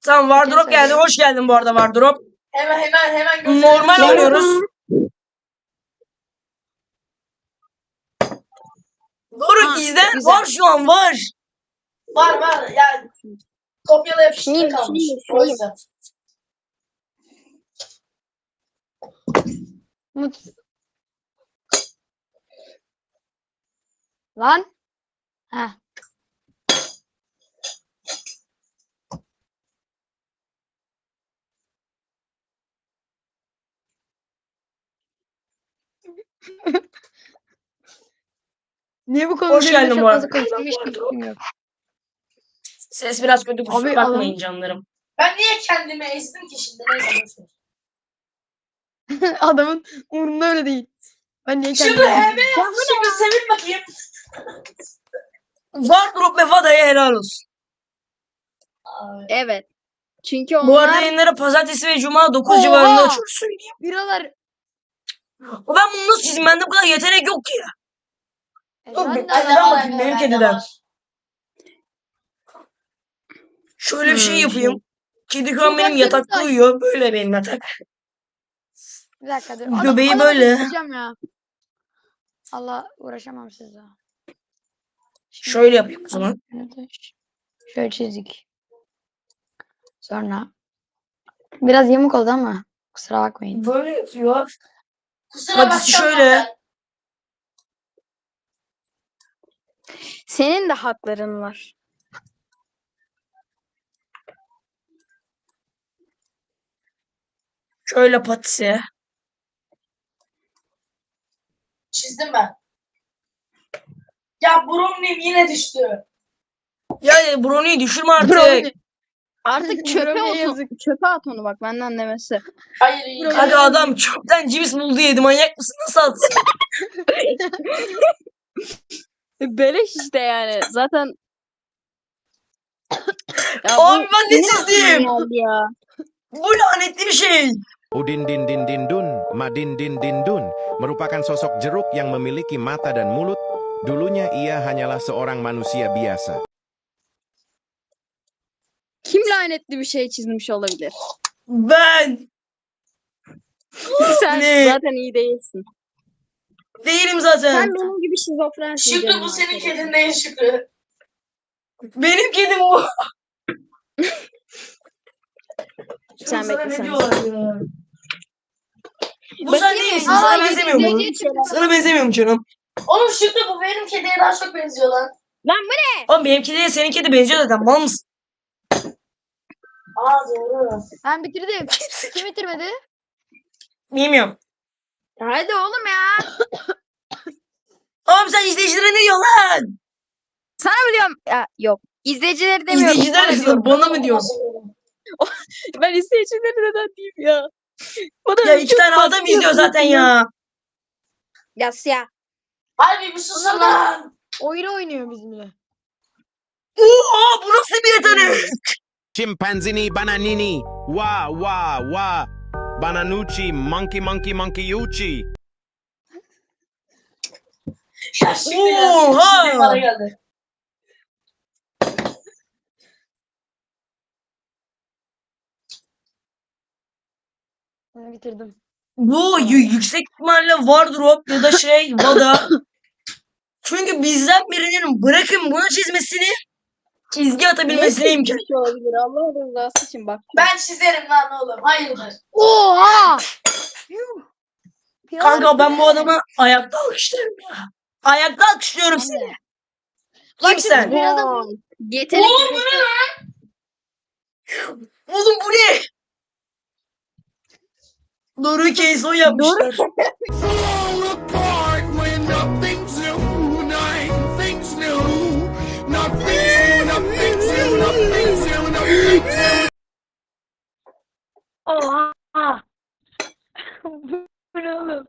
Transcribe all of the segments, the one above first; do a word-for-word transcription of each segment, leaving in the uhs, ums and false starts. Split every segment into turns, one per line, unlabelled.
Tamam Wardrop geldi. Hoş geldin bu arada Wardrop.
Hemen hemen hemen gösterelim.
Normal
Şöyle-
oynuyoruz. Doruk
Ha,
izleyen
güzel.
var şu an var.
Var var yani kopyala yapıştır
Sileyim,
kalmış.
sileyim,
O
sileyim.
yüzden.
Mut. Lan. Ha. Niye bu konuda
Hoş geldin
çok
bu arada.
fazla konuştuğum hiç fikrim yok.
Ses biraz kötü, kusura
Abi,
bakmayın
adam-
canlarım.
Ben niye kendimi ezdim ki şimdi? Neyse boş ver.
Adamın umurunda öyle değil. Ben niye
Şimdi
kendimi...
hemen şimdi sevin bakayım.
Wardrop ve Vada'ya helal olsun.
Abi.
Evet. Çünkü onlar...
Bu arada yayınları pazartesi ve cuma dokuz
Oha!
civarında açıyoruz söyleyeyim.
Biralar...
Ben bunu nasıl çizeyim? Bende bu kadar yetenek yok ki.
E,
Dur,
ben
bir-
de-
Bende
Kediden
var,
bakayım, benim
bende
kediden.
var.
Şöyle bir şey
Hmm,
yapayım. Kedi şu an
Çok
benim
az
yatakta
kedi-
uyuyor. Böyle benim yatak.
Bir dakika dur. Adam,
Göbeği
adamı
böyle.
keseceğim ya. Allah uğraşamam sizle. Şimdi-
Şöyle yapayım o zaman.
Şöyle çizdik. Sonra biraz yamuk oldu ama kusura bakmayın.
Böyle yapıyor.
Kusura
Hadi
bakacağım
şöyle.
ben.
Senin de hakların var.
Şöyle patisi.
Çizdim ben. Ya Brownie'm yine düştü.
Ya Brony'yi düşürme artık.
Brownie.
Artık çöpe
Brownie'ye
at,
yazık.
çöpe at onu bak benden demesi.
Hayır iyi.
Brownie.
Hadi adam çöpten cips buldu yedi. Manyak mısın? Nasıl atsın?
Beleş işte yani. Zaten ya
Abi ben ne
senin aklına
çizdim?
geldi ya.
Bu lanetli bir şey.
Udin din din din dun, Madin din din dun, merupakan sosok jeruk yang memiliki mata dan mulut. Dulunya ia hanyalah seorang manusia biasa.
Kim lanetli bir şey çizmiş olabilir?
Ben
Sen
Ne?
zaten iyi değilsin.
değilim zaten.
Sen benim gibi şizofrensin.
Şükrü
canım
bu senin
arkadaşım.
kedin değil Şükrü.
Benim kedim bu.
Sen
Sana
bekle,
ne
sen.
diyorlar ya? Bu sen
Bakayım
değil
mı?
misin?
Aa,
Sana
yedi-
benzemiyor mu?
yediye çıktı.
Sana benzemiyor mu canım?
Oğlum Şükrü bu benim kediye daha çok benziyor lan.
Lan bu ne?
Oğlum benimki değil senin kedi benziyor zaten. Mal mısın?
Aa doğru.
Ben bitirdim. Kim bitirmedi?
Bilmiyorum.
Hadi oğlum ya.
Oğlum sen izleyicilere ne diyorsun lan?
Sana mı diyorum? Ya, yok. İzleyicileri demiyorum.
İzleyiciler
Sana diyorum.
bana mı diyorsun?
Ben izleyicileri neden diyeyim ya? Bana
Ya iki tane adam izliyor zaten ya.
Yas ya.
Harbi bir susun lan.
Oyun oynuyor bizimle.
Oha bu nasıl bir yetenek?
Chimpanzini bananini, wa wa wa, bananucci, monkey monkey monkey yuchi.
Ya Şükrü ya.
Oha!
Şükrü bana geldi.
Ben bitirdim.
Bu y- yüksek ihtimalle Wardrop ya da şey Vada. Çünkü bizden birinin bırakın bunu çizmesini çizgi atabilmesine imkan.
Bir şey olabilir. Allah rızası için bak.
Ben çizerim lan oğlum. Hayırdır.
Oha!
Kanka ben bu adamı ayakta alkışlarım ya. Ayakta alkışlıyorum seni. Kimsen?
Biraz da
Wow. Yetenek.
Oğlum bu ne lan?
Oğlum bu ne? Doruk Keyson yapmışlar.
Fall apart when nothing's new, nothing's new, nothing's new, nothing's new, nothing's new, nothing's new.
Oha! Bu ne oğlum?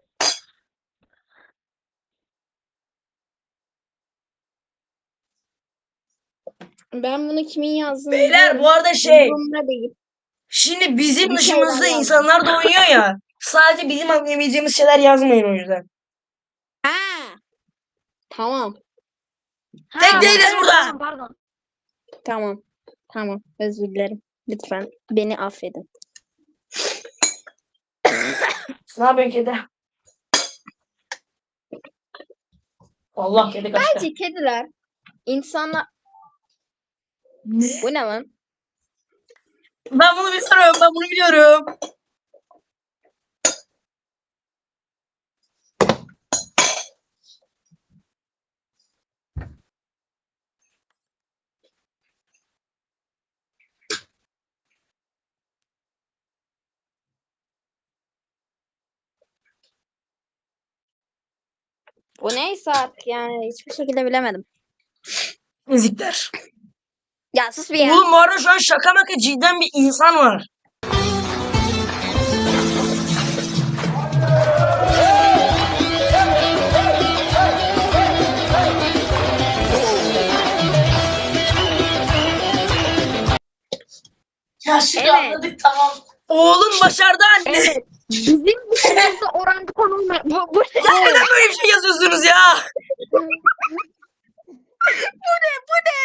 Ben bunu kimin yazdığını
Beyler
biliyorum.
bu arada şey.
Umurumda değil.
Şimdi bizim
Bir
dışımızda
şeyler
insanlar da oynuyor ya. Sadece bizim anlayabileceğimiz şeyler yazmayın o yüzden.
Ha. Tamam.
Tek
Ha,
değiliz
evet,
burada.
Pardon, pardon.
Tamam. Tamam. Özür dilerim. Lütfen beni affedin.
Ne yapıyorsun kedi? Allah kedi kaçtı.
Bence kediler insanlar...
Ne?
Bu ne lan?
Ben bunu biliyorum. Ben bunu biliyorum.
Bu neyse artık yani hiçbir şekilde bilemedim.
Müzikler.
Ya sus bir ya.
Oğlum bu arada şu an şaka maka cidden bir insan var.
Ya şimdi
Evet.
anladık tamam.
Oğlum başardı anne.
Evet. Bizim dışımızda orangutan olmayan... Bu, bu ne?
Ya neden böyle bir şey yazıyorsunuz ya?
Bu ne?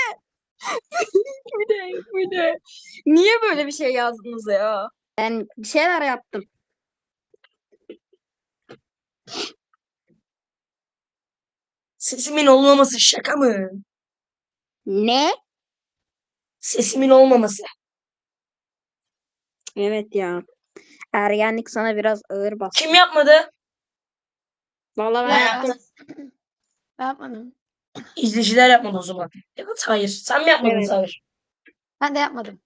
Bu ne? Niye böyle bir şey yazdınız ya? Ben bir şeyler yaptım.
Sesimin olmaması şaka mı?
Ne?
Sesimin olmaması.
Evet ya. Ergenlik sana biraz ağır bastı.
Kim yapmadı?
Vallahi ben
Ben
yaptım.
yaptım.
Ben yapmadım.
İzleyiciler yapmadı o zaman. Evet hayır. Sen mi yapmadın
Evet.
Sabir?
Ben de yapmadım.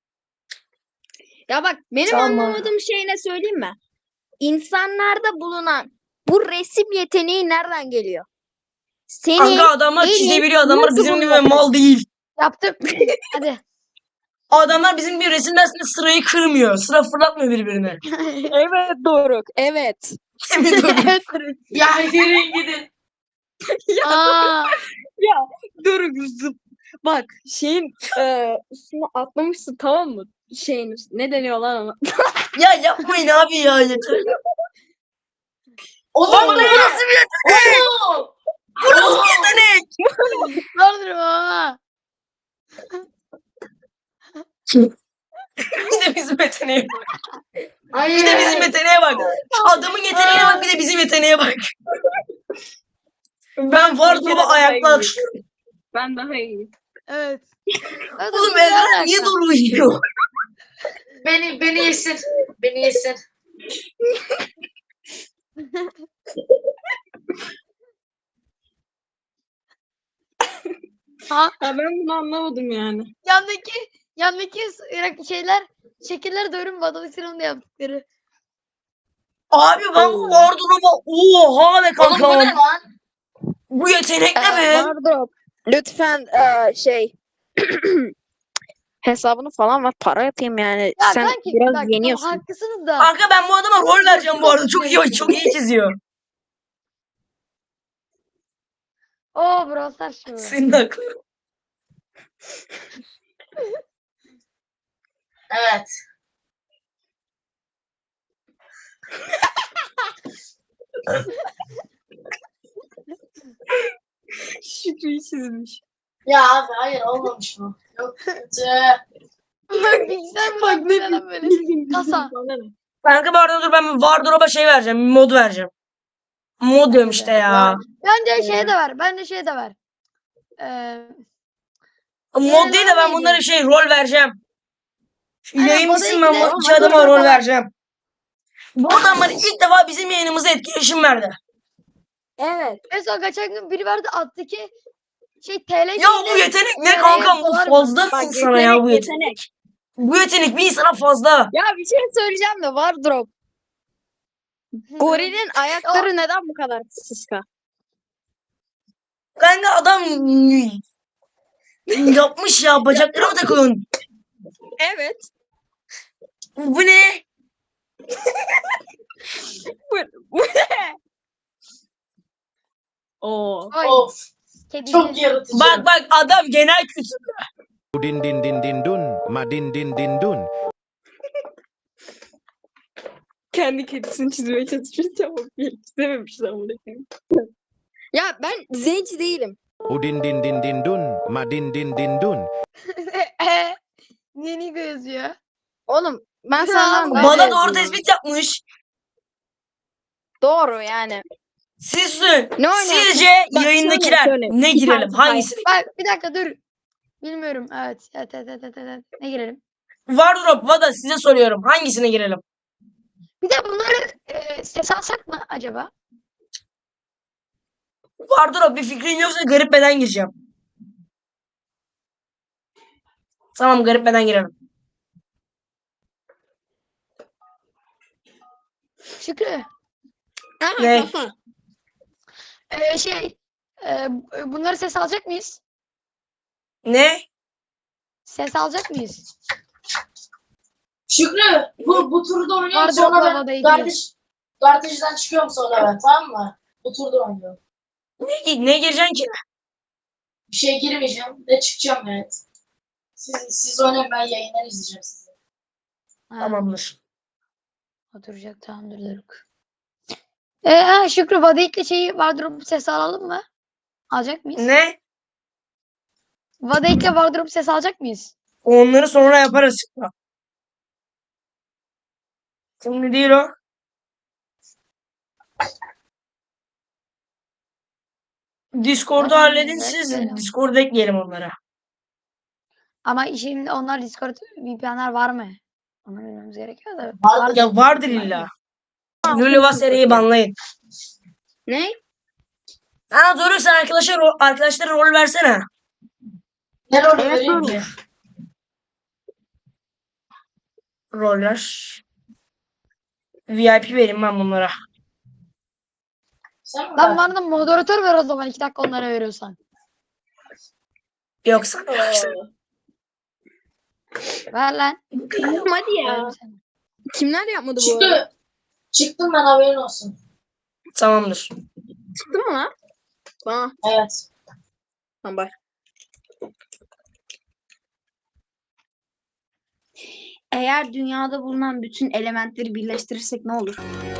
Ya bak benim
Tamam.
anlamadığım şey ne söyleyeyim mi? İnsanlarda bulunan bu resim yeteneği nereden geliyor? Senin
Kanka adamlar
elin
çizebiliyor. Adamlar
nasıl
bizim
bunu
gibi
yapıyor?
mal değil.
Yaptım. Hadi.
Adamlar bizim gibi resim dersinde sırayı kırmıyor. Sıra fırlatmıyor birbirine.
Evet Doruk. Evet.
Emin ol.
Evet. Doruk.
Ya yürüyün gidin.
Aa,
Ya Doruk zıp. Bak şeyin e, üstüne atlamışsın tamam mı? Şeyin üstüne. Ne deniyor lan ona?
Ya yapmayın abi ya. Yeter.
Oğlum
Lan bu
bu ne?
nasıl bir yetenek?
Oğlum.
Bu nasıl bir yetenek?
Doğrudur ama.
Bir de bizim yeteneğe bak.
Hayır.
Bir de bizim yeteneğe bak. Şu adamın yeteneğine bak bir de bizim yeteneğe bak. Ben var duruma ayakta alkışlıyorum.
Ben daha iyiyim.
Evet. Evet,
Oğlum
bu ne
Ezra
alaka?
niye doğru uyuyor?
Beni beni yesin. Beni yesin.
Ha,
Ya ben bunu anlamadım yani.
yandaki yandaki s- şeyler şekiller doğru Badovision'un da yaptıkları.
Abi ben bu var duruma oha be
Oğlum bu
kanka.
ne lan?
Bu yetenek ne be?
Pardon. Lütfen e, şey hesabını falan var. Para atayım yani.
Ya
Sen
kanki
biraz
bak,
yeniyorsun.
haklısınız da.
Kanka ben bu adama rol vereceğim bu arada. Çok iyi çok iyi çiziyor.
Oo Brawl Stars şu.
Senin de aklın.
Evet.
Şükrü'yü çizmiş.
Ya abi hayır olmamış bu. Yok kötü.
Bak bilgisayar mı bak ne lan böyle. Kasa.
Kanka bu arada dur ben bir Wardrobe'a şey vereceğim. Bir mod vereceğim. Mod diyorum işte ya.
Bence şey de var. Bence şey de var. Ee,
Mod değil de ben
neydi?
bunlara şey rol vereceğim. Şu
Aynen,
yayın
o da
bitsin ben
ilgili.
bu iki adama rol vereceğim. Bu adamlar ilk defa bizim yayınımıza etkileşim verdi.
Evet.
en son geçen gün biri verdi attı ki şey T L
Ya bu
şeyle
yetenek ne
nereye
kanka? Bu
dolar mı?
fazla mı
Bak,
insana ya bu
yetenek,
yetenek? Bu yetenek bir insana fazla.
Ya bir şey söyleyeceğim de Wardrobe. Gorilin ayakları neden bu kadar sıska?
Kanka adam yapmış ya bacakları mı takıyorsun?
Evet.
Bu ne?
Bu, bu ne? Oo.
Ay,
Of.
kedi.
Çok yaratıcı.
Bak bak adam genel kültür.
Din din din din dun, ma din din din dun.
Kendi kedisini çizmeye çalışmış ama çizememiş ama. Ya ben zenci değilim.
Udin din din din dun, ma din din din dun.
Niye Nigo yazıyor?
Oğlum ben
Ya,
senden daha
Bana
da
doğru
yazıyorum.
tespit yapmış.
Doğru yani.
Siz
Ne oynarsın?
sizce
Bak,
yayındakiler
söyle, söyle.
ne
Bir
girelim?
tane
Hangisini?
Bak bir dakika dur. Bilmiyorum. Evet. Evet evet evet evet. evet. Ne girelim?
Wardrop, Vada size soruyorum. Hangisine girelim?
Bir de bunları e, ses alsak mı acaba?
Wardrop bir fikrin yoksa garip beden gireceğim. Tamam, garip beden girelim.
Şükrü.
Ne?
E, şey e, bunları ses alacak mıyız?
Ne?
Ses alacak mıyız?
Şükrü bu, bu turda oynuyorum
Vardır
sonra
abla,
ben
havada iyi
kardeş, kardeşten çıkıyorum sonra ben, tamam mı? Bu turda oynuyorum.
Ne, ne gireceksin ki?
Bir şey girmeyeceğim ve çıkacağım, evet. Siz, siz oynayın, ben yayından izleyeceğim sizi.
Ha,
Tamamdır.
oturacak tamamdır Doruk. E, ha, Şükrü Vadik'le şeyi Wardrop ses alalım mı? Alacak mıyız?
Ne?
Vadik'le Wardrop ses alacak mıyız?
Onları sonra yaparız. Şimdi değil o. Discord'u
Tamam,
halledin
evet,
siz.
evet.
Discord'a ekleyelim onlara.
Ama şimdi onlar Discord V P N'ler var mı? Onu bilmemiz gerekiyor da.
Vardır.
Ya vardır illa. Lülüva seriyi banlayın.
Ne?
Ha doğru, sen arkadaşlar, arkadaşlara rol versene.
Ne rol
Evet,
vereyim
doğru.
ki?
Roller. V I P vereyim ben bunlara.
Sen mi
Lan
verdin?
bana da moderatör ver o zaman iki dakika onlara veriyorsan.
Yoksa
Ver lan.
Oğlum hadi ya.
Veririm sana.
Kimler yapmadı bu arada?
Çıktı. Çıktım ben, haberin olsun.
tamamdır.
Çıktı mı lan? Bana.
Evet.
Tamam bak. Eğer dünyada bulunan bütün elementleri birleştirirsek ne olur?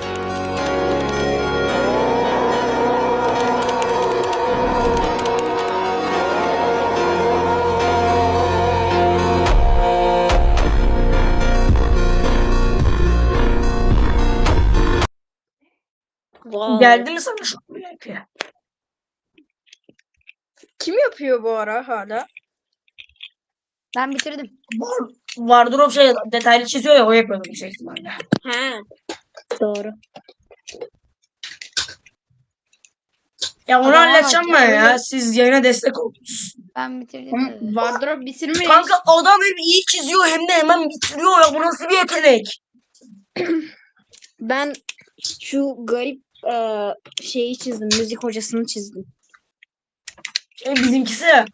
Vay.
Geldi mi sana şu V I P?
Kim yapıyor bu ara hala?
Ben bitirdim.
Var, Wardrop şey detaylı çiziyor ya, o yapıyordu yüksek ihtimalle.
He. Doğru.
Ya onu
Adama bak
halledeceğim
ya,
ben ya.
öyle-
Siz yayına destek oldunuz.
Ben bitirdim
Ama
dedi.
Wardrop bitirmiş.
Kanka adam hem iyi çiziyor hem de hemen bitiriyor ya. Bu nasıl bir yetenek?
Ben şu garip e, şeyi çizdim. Müzik hocasını çizdim.
Şey, bizimkisi.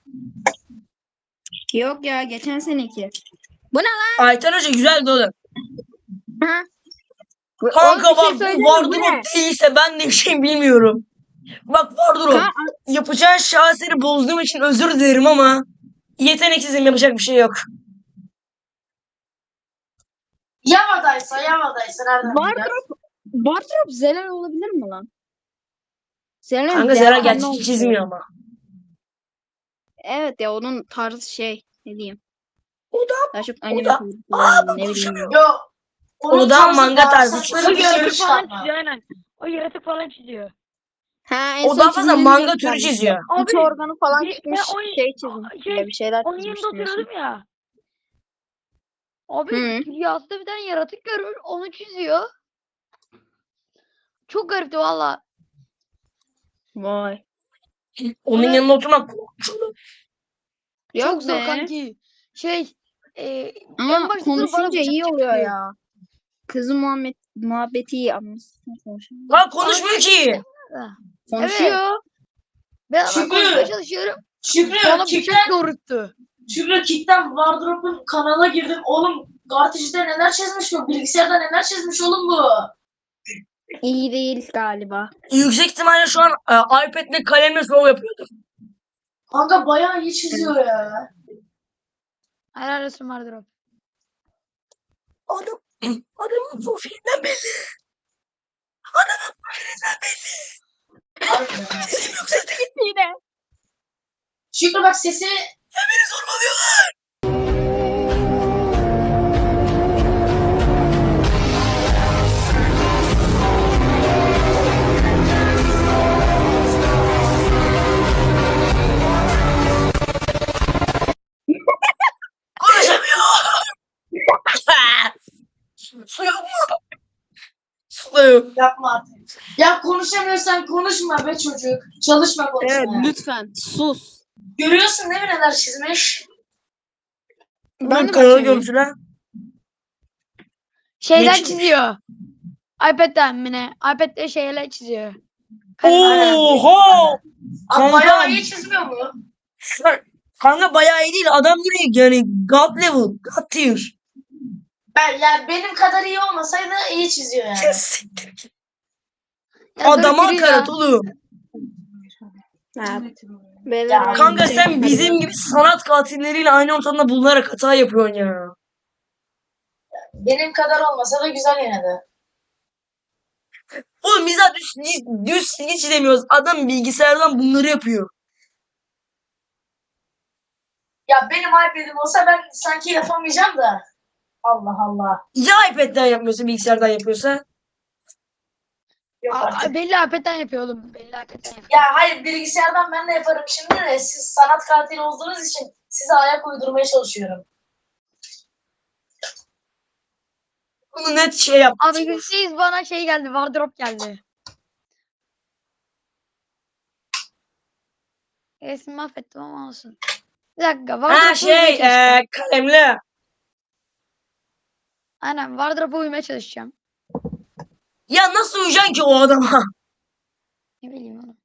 Yok ya geçen seneki.
Ayten Hoca güzeldi oğlum.
Ha?
Kanka
Oğlum bir şey
bak,
söyleyeyim mi?
bu
Bu ne?
Wardrop değilse ben de bir şey bilmiyorum. Bak Wardrop,
Ha,
yapacağın şaheseri bozduğum için özür dilerim ama yeteneksizim, yapacak bir şey yok.
Yavadaysa Yavadaysa nereden bileceğiz?
Wardrop, Wardrop Zelal olabilir mi lan? Zelal
Kanka Zera gerçek çizmiyor ama.
Evet ya onun tarzı şey ne diyeyim.
O da
Daha çok anime
da-
tarzı
Aa,
falan,
bak
ne bileyim.
konuşamıyor.
Yo. onun
O da
tarzı
manga
daha
tarzı
saçma
çiziyor.
bir şey çıkartma.
aynen. O yaratık falan çiziyor.
Ha, en
O
son
daha fazla
çizdiğim
manga
bir
türü
tanesi.
çiziyor.
İç organı falan
bir-
çıkmış
ben o-
şey çizmiş.
şey,
ya bir şeyler
Onun
çizmiş
yanında
diyorsun.
oturuyordum ya. Abi
Hı.
rüyasında bir tane yaratık görür onu çiziyor. Çok garipti valla.
Vay.
Onun
Ona-
yanında oturmak korkunç olur.
Yok
Çok zor
be.
kanki. Şey e, en
Ama
başta bana
konuşunca
bıçak
iyi oluyor
çıkıyor.
ya. Kızı muhabbet, muhabbeti iyi anlasın. Konuşuyor.
Lan konuşmuyor ki.
Konuşuyor.
Ben ama
Şükrü.
konuşmaya çalışıyorum.
Şükrü,
Bana bıçak
Kick'ten,
doğrulttu.
Şükrü Kick'ten Wardrop'un kanala girdim. Oğlum Gartaj'da neler çizmiş bu? Bilgisayarda neler çizmiş oğlum bu?
İyi değil galiba.
Yüksek ihtimalle şu an e, iPad'le kalemle slow yapıyordur.
Kanka bayağı iyi çiziyor ya.
Helal olsun vardır o.
Adam, adamın profilinden belli. Adamın profilinden belli.
Harbiden.
Sesim yok zaten.
Yine.
Şükrü bak sesi
Beni zorbalıyorlar. Vallahi.
Yapma artık. Ya konuşamıyorsan konuşma be çocuk. Çalışma
Evet
konuşmaya.
lütfen sus.
Görüyorsun değil mi neler çizmiş?
Ben
Ben
de
kanalı
bakıyorum.
görmüşsün ha.
Şeyden
çizmiş?
çiziyor. iPad'den mi ne? iPad'de şeyler çiziyor. Kalem-
Oha!
Abi
Kanka.
bayağı iyi çizmiyor mu?
Sen- Kanka bayağı iyi değil. Adam direkt yani God level. God tier.
Ben, yani benim kadar iyi olmasaydı iyi çiziyor yani.
Kes.
Ya Doruk
Adama
yürü ya.
hakaret oğlum.
Ha, beyler
Ya
aynı
Kanka
şey.
sen
Hadi
bizim gibi sanat katilleriyle aynı ortamda bulunarak hata yapıyorsun ya.
Benim kadar olmasa da güzel yine de.
Oğlum biz daha düz, düz çizgi çizemiyoruz. Adam bilgisayardan bunları yapıyor.
Ya benim iPad'im olsa ben sanki yapamayacağım da. Allah Allah.
Ya iPad'den yapmıyorsa bilgisayardan yapıyorsa?
Yok
Aa,
artık.
belli iPad'den yapıyor oğlum. Belli iPad'den yapıyor.
Ya hayır bilgisayardan ben de yaparım şimdi de siz sanat katili olduğunuz için size ayak uydurmaya çalışıyorum.
Bunu net şey yap.
Abi yüzde yüz bana şey geldi. Wardrop geldi. Resmi mahvettim ama olsun. Bir dakika.
Ha
Wardrop'a
şey
uymaya çalışacağım.
eee kalemli.
Aynen. Wardrop'a uymaya çalışacağım.
Ya nasıl uyuyacaksın ki o adama?
Ne bileyim oğlum.